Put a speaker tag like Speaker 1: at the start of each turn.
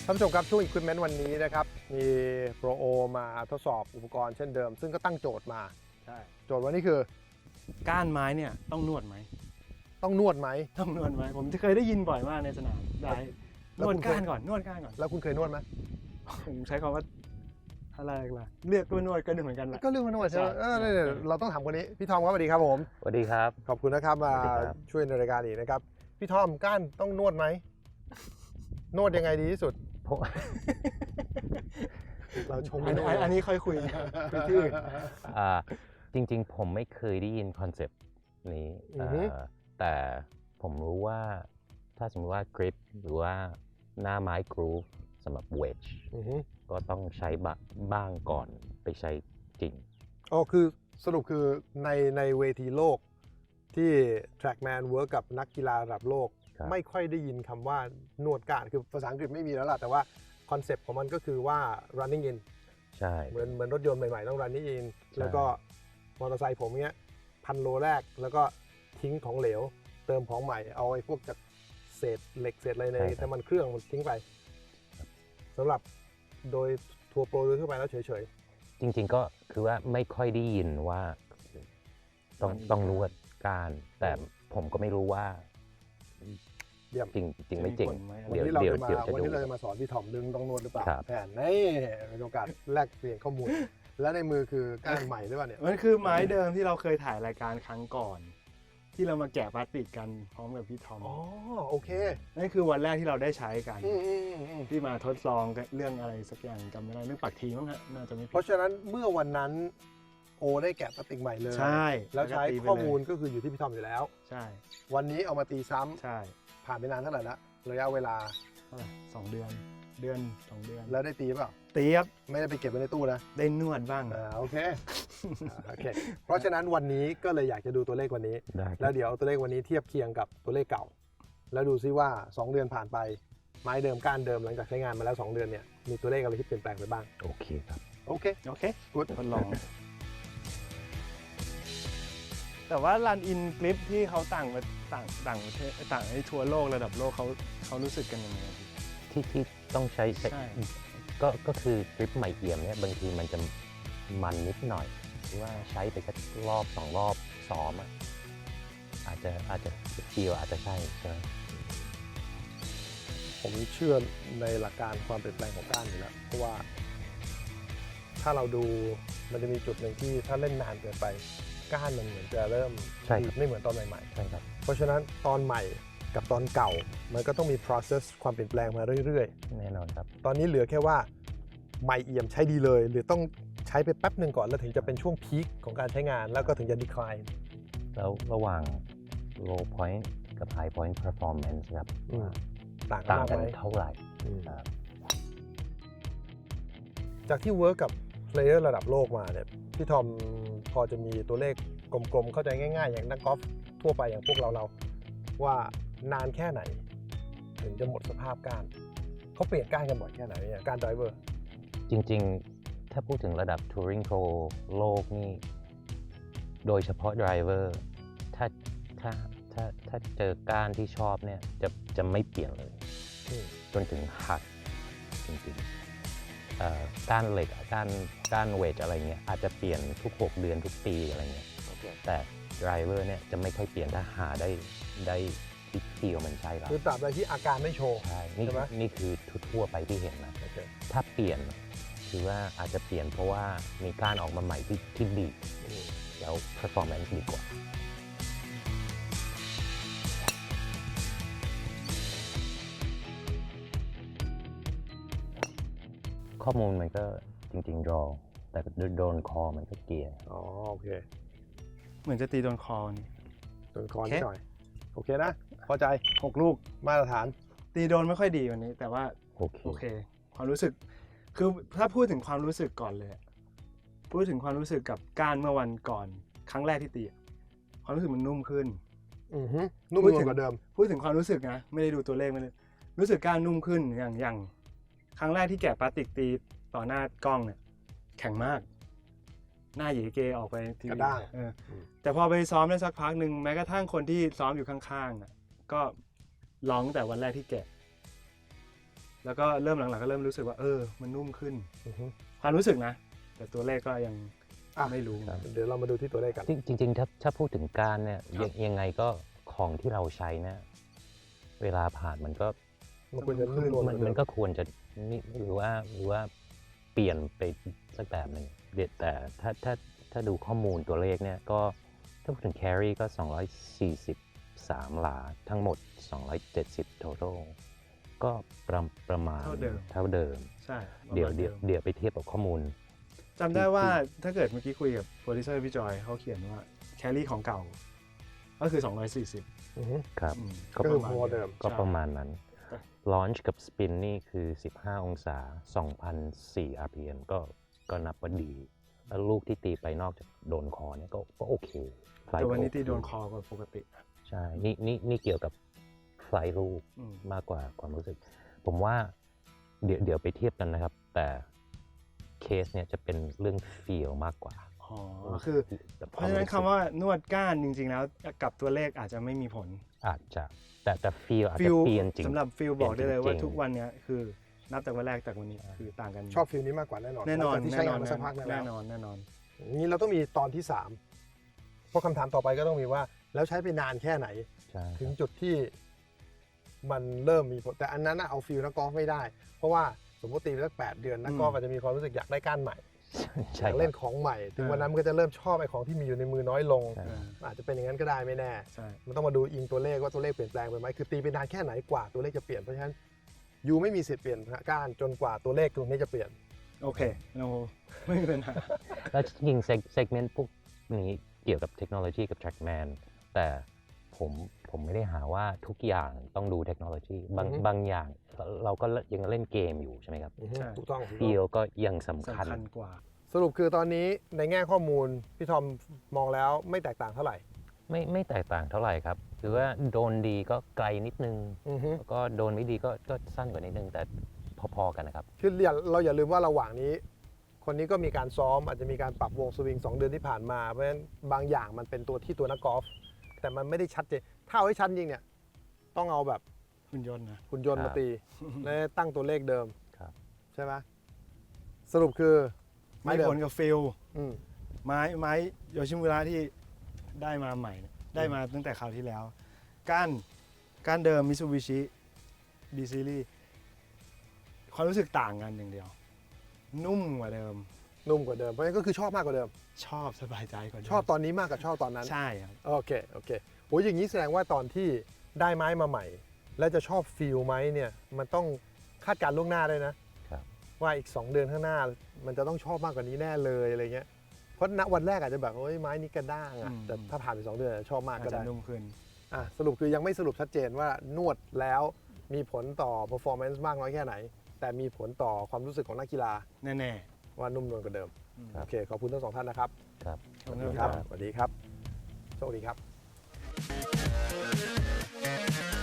Speaker 1: ท่านผู้ชมครับช่วง Equipment วันนี้นะครับมีโปรโอมาทดสอบอุปกรณ์เช่นเดิมซึ่งก็ตั้งโจทย์มา
Speaker 2: ใช่
Speaker 1: โจทย์วันนี้คือ
Speaker 2: ก้านไม้เนี่ยต้องนวดไหม
Speaker 1: ต้องนวดไหม
Speaker 2: ต้องนวดไหมผมเคยได้ยินบ่อยมากในสนามได้
Speaker 1: แล้
Speaker 2: น
Speaker 1: ว
Speaker 2: ว
Speaker 1: คุ
Speaker 2: ด
Speaker 1: ณเคย
Speaker 2: ก้านก่อนนวดก้านก่อน
Speaker 1: แล้วคุณเคยนวดไหม
Speaker 2: ผมใช้คำว่าอะไรล่ะเรียกว่านวดก็เหมือนกันแหละ
Speaker 1: ก็เรื่องนวดใช่ไหม
Speaker 2: ใช่
Speaker 1: เนี่ยเราต้องถามคนนี้พี่ทอมครับสวัสดีครับผม
Speaker 3: สวัสดีครับ
Speaker 1: ขอบคุณนะครับมา
Speaker 3: สวัสดีครับ
Speaker 1: ช่วยในรายการอีกนะครับพี่ทอมก้านต้องนวดไหมนวดยังไงดีที่สุด
Speaker 3: ผม
Speaker 1: เราชม
Speaker 2: อัน
Speaker 1: ไม่
Speaker 2: นี้
Speaker 1: ได้
Speaker 2: อันนี้ค่อยคุยคุยที่อื่น
Speaker 3: จริงๆ ผมไม่เคยได้ยินคอนเซปต์นี้แต่ผมรู้ว่าถ้าสมมติว่ากริปหรือว่าหน้าไม้กรูฟสำหรับเวจ
Speaker 1: อือฮึ
Speaker 3: ก็ต้องใช้บ้างก่อนไปใช้จริง
Speaker 1: อ๋อคือสรุปคือในเวทีโลกที่ Trackman เวิร์กกับนักกีฬาระดับโลก
Speaker 3: ครับ
Speaker 1: ไม่ค่อยได้ยินคำว่านวดก้านคือภาษาอังกฤษไม่มีแล้วล่ะแต่ว่าคอนเซปต์ของมันก็คือว่า running in
Speaker 3: ใช่
Speaker 1: เหมือนรถยนต์ใหม่ๆต้อง running in
Speaker 3: ใช่
Speaker 1: แล้วก็มอเตอร์ไซค์ผมเนี้ย1,000 โลแรกแล้วก็ทิ้งของเหลว เติมของใหม่เอาไอ้พวกจากเศษเหล็กเศษอะไรในน้ำมันเครื่องมันทิ้งไปสำหรับโดยทัวร์โปรโดยทั่วไปแล้วเฉย
Speaker 3: จริงๆก็คือว่าไม่ค่อยได้ยินว่าต้องนวดการแต่ผมก็ไม่รู้ว่า
Speaker 1: เยี่ยม
Speaker 3: จริงไม่จริง
Speaker 1: ๆวัน
Speaker 3: เดี๋ยว
Speaker 1: นี้เรา
Speaker 3: เดี๋ยว
Speaker 1: จะมา
Speaker 3: เดี๋ยวจะ
Speaker 1: วัน
Speaker 3: ดู
Speaker 1: นี้เราจะมาสอนพี่ถอมดึงต้องนวดหรือเปล่า
Speaker 3: ครับ
Speaker 1: แผนนี่เป็นโอกาสแลกเปลี่ยนข้อมูล และในมือคือก้านใหม่หรือเปล่าเนี่ย
Speaker 2: มันคือไม้เดิมที่เราเคยถ่ายรายการครั้งก่อน ที่เรามาแกะพลาสติกกันพร้อมกับพี่ทอม
Speaker 1: อ๋อโอเค
Speaker 2: นั่นคือวันแรกที่เราได้ใช้กัน
Speaker 1: อืม
Speaker 2: ที่มาทดลองเรื่องอะไรสักอย่างจำไม่ได้เรื่องปักทีมั้งฮะน่าจะไม่
Speaker 1: เพ
Speaker 2: ผิด
Speaker 1: ราะฉะนั้นเมื่อวันนั้นโอได้แกะพลาสติกใหม่เลย
Speaker 2: ใช่
Speaker 1: แล้วใช้
Speaker 2: ก็ตีไป
Speaker 1: ข้อมูล
Speaker 2: เลย
Speaker 1: ก็คืออยู่ที่พี่ทอมอยู่แล้ว
Speaker 2: ใช่
Speaker 1: วันนี้เอามาตีซ้ำ
Speaker 2: ใช่
Speaker 1: ผ่านไปนานเท่าไหร่ละระยะเวลา
Speaker 2: เท่าไหร่2 เดือน2 เดือน
Speaker 1: แล้วได้ตีเปล่า
Speaker 2: เตียบ
Speaker 1: ไม่ได้ไปเก็บไว้ในตู้นะ
Speaker 2: ได้นวดบ้าง
Speaker 1: โอเคโอเค เพราะฉะนั้นวันนี้ก็เลยอยากจะดูตัวเลขวันนี้
Speaker 3: ได้ค
Speaker 1: แล้
Speaker 3: รับ
Speaker 1: วเดี๋ยวตัวเลขวันนี้เทียบเคียงกับตัวเลขเก่า แล้วดูซิว่า 2 เดือนผ่านไปไม้เดิมก้านเดิมหลังจากใช้งานมาแล้ว 2 เดือนเนี่ยมีตัวเลขอะไรที่เปลี่ยนแปลงไปบ้าง
Speaker 3: โอเคครับ
Speaker 1: โอเค
Speaker 2: โอเค
Speaker 1: กู๊ด
Speaker 2: ทดลอง แต่ว่ารันอินกลิปที่เขาต่างประเทศต่างไอ้ทั่วโลกระดับโลกเขารู้สึกกันยังไง
Speaker 3: ที่ต้องใช้
Speaker 2: ใช่
Speaker 3: ก็คือกริปใหม่เอี่ยมเนี่ยบางทีมันจะมันนิดหน่อยหรือว่าใช้ไปสักรอบ2 รอบซ้อมอะอาจจะฟีลอาจจะใช่ใช่ไหม
Speaker 1: ผมเชื่อในหลักการความเปลี่ยนแปลงของก้านอยู่แล้วเพราะว่า ถ้าเราดูมันจะมีจุดหนึ่งที่ถ้าเล่นนานเกินไปก้านมันเหมือนจะเริ่มดีดไม่เหมือนตอนใหม่
Speaker 3: ใช่ครับ
Speaker 1: ๆเพราะฉะนั้นตอนใหม่กับตอนเก่ามันก็ต้องมี process ความเปลี่ยนแปลงมาเรื่อยๆ
Speaker 3: แน่นอนครับ
Speaker 1: ตอนนี้เหลือแค่ว่าใหม่เอี่ยมใช้ดีเลย หรือต้องใช้ไปแป๊บหนึ่งก่อนแล้วถึงจะเป็นช่วงพีคของการใช้งานแล้วก็ถึงจะ decline
Speaker 3: แล้วระหว่าง low point กับ high point performance ครับ
Speaker 1: อืม ต่าง
Speaker 3: ต่าง
Speaker 1: มาก
Speaker 3: กัน
Speaker 1: ไหม
Speaker 3: เท่าไหร่
Speaker 1: อืม
Speaker 3: ครับ
Speaker 1: จากที่เวิร์กกับเพลเยอร์ระดับโลกมาเนี่ยพี่ทอมพอจะมีตัวเลขกลมๆ เข้าใจง่ายๆ อย่างนักกอล์ฟทั่วไปอย่างพวกเราว่านานแค่ไหน ถึงจะหมดสภาพก้านเขาเปลี่ยนก้านกันบ่อยแค่ไหนเนี่ยการไดรเวอร์
Speaker 3: จริงๆ ถ้าพูดถึงระดับ Touring Pro โลกนี่ โดยเฉพาะ driver ถ้าเจอก้านที่ชอบเนี่ยจะไม่เปลี่ยนเลย จนถึงหักจริงๆก้านเหล็กก้านเวทอะไรเงี้ยอาจจะเปลี่ยนทุก6 เดือนทุกปีอะไรเงี้ยแต่ driver เนี่ยจะไม่ค่อยเปลี่ยนถ้าหาได้ที่ฟีลมันใช่แล้ว
Speaker 1: คือตราบใดที่อาการไม่โชว์
Speaker 3: ใช่นี่
Speaker 1: ใช่ไหม
Speaker 3: นี่คือทั่วๆไปที่เห็นนะ
Speaker 1: โอเค
Speaker 3: ถ้าเปลี่ยนคือว่าอาจจะเปลี่ยนเพราะว่ามีการออกมาใหม่ที่ดี
Speaker 1: อืม
Speaker 3: แล้ว performance ดีกว่า ข้อมูลมันก็จริงๆ draw แต่โดนคอมันก็เกียร์
Speaker 1: อ๋อโอเค
Speaker 2: เหมือนจะตีโดนคอนี่
Speaker 1: ส่วนคอน
Speaker 2: โอเค
Speaker 1: นิดหน่อยโอเคนะพอใจ
Speaker 2: 6 ลูก
Speaker 1: มาตรฐาน
Speaker 2: ตีโดนไม่ค่อยดีวันนี้ แต่ว่า
Speaker 3: โอเค
Speaker 2: โอเค ความรู้สึกคือถ้าพูดถึงความรู้สึกก่อนเลยอะพูดถึงความรู้สึกกับก้านเมื่อวันก่อนครั้งแรกที่ตีอะความรู้สึกมันนุ่มขึ้น
Speaker 1: อือฮึนุ่ม
Speaker 2: พูด
Speaker 1: นวล
Speaker 2: ถึง
Speaker 1: กว่าเดิม
Speaker 2: พูดถึงความรู้สึกนะไม่ได้ดูตัวเลขไม่ได้รู้สึกก้านนุ่มขึ้นอย่างครั้งแรกที่แกะพลาสติกตีต่อหน้ากล้องเนี่ยแข็งมาก หน้าเหยเกออกไปที
Speaker 1: กระ
Speaker 2: วี
Speaker 1: ด้าง
Speaker 2: แต่พอไปซ้อมได้สักพักหนึ่งแม้กระทั่งคนที่ซ้อมอยู่ข้างๆอะก็ร้องแต่วันแรกที่แกะแล้วก็เริ่มหลังๆก็เริ่มรู้สึกว่ามันนุ่มขึ้น
Speaker 1: อือฮึ
Speaker 2: ความรู้สึกนะ แต่ตัวเลขก็ยัง
Speaker 1: อ่ะ
Speaker 2: ไม่รู้
Speaker 1: เดี๋ยวเรามาดูที่ตัวเลขกัน
Speaker 3: จริงๆถ้าพูดถึงการเนี่ย
Speaker 2: ครับ
Speaker 3: ยังไงก็ของที่เราใช้เนี่ยเวลาผ่านมันก็
Speaker 1: มันควรจะนุ่มนวล
Speaker 3: มันก็ควรจะนี่หรือว่าเปลี่ยนไปสักแบบหนึ่งแต่ถ้าดูข้อมูลตัวเลขเนี่ยก็ถ้าพูดถึง carry ก็ 243 หลาทั้งหมด 270 total ก็ประมาณ
Speaker 2: เท่าเดิม
Speaker 3: เท่าเดิม
Speaker 2: ใช่
Speaker 3: เดี๋ยว
Speaker 2: ประมาณ
Speaker 3: เดี๋ยวเดี๋ยวไปเทียบกับข้อมูล
Speaker 2: จำได้ว่าถ้าเกิดเมื่อกี้คุยกับโปรดิวเซอร์พี่จอยเขาเขียนว่าแคลรี่ของเก่า ก็คือ 240
Speaker 1: อือฮึ
Speaker 3: ครับ
Speaker 2: อืม
Speaker 3: ก็
Speaker 1: คือพอเดิม
Speaker 3: ก็ประมาณนั้น
Speaker 2: ใช่
Speaker 3: launch กับ spin นี่คือ 15 องศา 2,004 rpm ก็นับว่าดี แล้วลูกที่ตีไปนอกจากโดนคอเนี่ยก็โอเค Flight
Speaker 2: แต่วันนี้
Speaker 3: โอเค
Speaker 2: ตีโดนคอกว่าปกติ
Speaker 3: ใช่ นี่เกี่ยวกับไฟล์ลูก
Speaker 2: อืม
Speaker 3: มากกว่าความรู้สึก ผมว่าเดี๋ยวไปเทียบกันนะครับ แต่เคสเนี่ยจะเป็นเรื่อง feel มากกว่า
Speaker 2: อ๋อคือ
Speaker 3: แบบ
Speaker 2: เพราะฉะนั้นคำว่านวดก้านจริงๆแล้วกับตัวเลขอาจจะไม่มีผล
Speaker 3: อาจจะแต่ feel อาจ
Speaker 2: ฟิ
Speaker 3: จะ
Speaker 2: ล
Speaker 3: เปลี่ยนจริง
Speaker 2: สำหรับฟิลบอกได้เลยว่า
Speaker 3: จริงๆ
Speaker 2: ทุกวันเนี้ยคือนับจากวันแรกจากวันนี้คือต่างกัน
Speaker 1: ชอบฟิลนี้มากกว่าแน่นอน
Speaker 2: แน่นอน
Speaker 1: หลังจากที่
Speaker 2: แน่
Speaker 1: ใช้
Speaker 2: น
Speaker 1: งา
Speaker 2: อน น
Speaker 1: มาสักพักหนึง
Speaker 2: แน่
Speaker 1: แล้ว
Speaker 2: นอนแน่นอน
Speaker 1: นี้เราต้องมีตอนที่ 3 เพราะคำถามต่อไปก็ต้องมีว่า แล้วใช้ไปนานแค่ไหน
Speaker 3: ใช่
Speaker 1: ถึงจุดที่มันเริ่มมีผล แต่อันนั้นน่ะเอาฟิลนักกอล์ฟไม่ได้ เพราะว่าสมมติตีไปสัก8 เดือนนักกอล์ฟอาจจะมีความรู้สึกอยากได้ก้านใหม่ อ
Speaker 3: ใช่
Speaker 1: ยากเล่นของใหม่ ถึงวันนั้นมันก็จะเริ่มชอบไอ้ของที่มีอยู่ในมือน้อยลง
Speaker 3: ใช่
Speaker 1: อาจจะเป็นอย่างนั้นก็ได้ไม่แน่
Speaker 2: ใช่
Speaker 1: มันต้องมาดูอิงตัวเลขว่าตัวเลขเปลี่ยนแปลงไปไหมคือตีไปนานแค่ไหนกว่าตัวเลขจะเปลี่ยน เพราะฉะนั้นยูไม่มีสิทธิ์เปลี่ยนก้านจนกว่าตัวเลขตรงนี้จะเปลี่ยน
Speaker 2: โอเคเราไม่มีปัญหา
Speaker 3: แล้วจริงๆ segment พวกนี้เกี่ยวกับเทคโนโลยีกับ trackman แต่ผมไม่ได้หาว่าทุกอย่างต้องดูเทคโนโลยีบาง
Speaker 1: อือฮึ
Speaker 3: บางอย่างเราก็ยังเล่นเกมอยู่ใช่ไหมครับ
Speaker 2: ใช่
Speaker 1: ถูกต้อง
Speaker 3: ฟีลก็ยังสำคัญ
Speaker 2: สำคัญกว่า
Speaker 1: สรุปคือตอนนี้ในแง่ข้อมูลพี่ทอมมองแล้วไม่แตกต่างเท่าไหร่
Speaker 3: ไม่แตกต่างเท่าไหร่ครับคือว่าโดนดีก็ไกลนิดนึง
Speaker 1: อือฮึ
Speaker 3: แล้วก็โดนไม่ดีก็สั้นกว่านิดนึง แต่พอๆกันนะครับ
Speaker 1: คือเราอย่าลืมว่าระหว่างนี้ คนนี้ก็มีการซ้อมอาจจะมีการปรับวงสวิง2 เดือนที่ผ่านมาเพราะฉะนั้นบางอย่างมันเป็นตัวที่ตัวนักกอล์ฟแต่มันไม่ได้ชัดเจนถ้าเอาให้ชัดจริงเนี่ยต้องเอาแบบ
Speaker 2: หุ่นยนต์นะ
Speaker 1: หุ่นยนต์
Speaker 3: ครั
Speaker 1: มา
Speaker 3: บ
Speaker 1: ตีและตั้งตัวเลขเดิม
Speaker 3: ครับ
Speaker 1: ใช่ไหมสรุปคือ
Speaker 2: ไม่
Speaker 1: เดิ
Speaker 2: ผลกับฟิล
Speaker 1: อืม
Speaker 2: ไม้โยชิมุระที่ได้มาใหม่เนี่ยได้มาตั้งแต่คราวที่แล้ว ก้านเดิมมิซูบิชิบีซีรีความรู้สึกต่างกันอย่างเดียว นุ่มกว่าเดิม
Speaker 1: นุ่มกว่าเดิมเพราะฉะนั้นก็คือชอบมากกว่าเดิม
Speaker 2: ชอบสบายใจกว่าเดิม
Speaker 1: ชอบตอนนี้มากกว่าชอบตอนนั้น
Speaker 2: ใช่ครับ
Speaker 1: โอเคโอ้ยอย่างนี้แสดงว่าตอนที่ได้ไม้มาใหม่ แล้วจะชอบฟีลไหมเนี่ยมันต้องคาดการณ์ล่วงหน้าด้วยนะครับ ว่าอีก 2 เดือนข้างหน้า มันจะต้องชอบมากกว่านี้แน่เลยอะไรเงี้ยเพราะณวันแรกอาจจะแบบโอ้ยไม้นี้กระด้างอ่ะแต่ถ้าผ่านไป2 เดือนอาจจะชอบมาก
Speaker 2: อาจ
Speaker 1: ก็
Speaker 2: จะ
Speaker 1: ได้
Speaker 2: นุ่มขึ้น
Speaker 1: อ่ะสรุปคือยังไม่สรุปชัดเจนว่านวดแล้วมีผลต่อ performance มากน้อยแค่ไหน แต่มีผลต่อความรู้สึกของนักกีฬา
Speaker 2: แน่
Speaker 1: ว่านุ่มนวลกว่าเดิม
Speaker 2: ๆ
Speaker 3: ครับ
Speaker 1: โอเคขอบคุณทั้ง 2 ท่านนะครับ
Speaker 3: ครับ
Speaker 2: ขอบคุณ
Speaker 1: ค
Speaker 2: ค
Speaker 1: รั
Speaker 2: รั
Speaker 1: บบ สวัสดีครับโชคดีครับ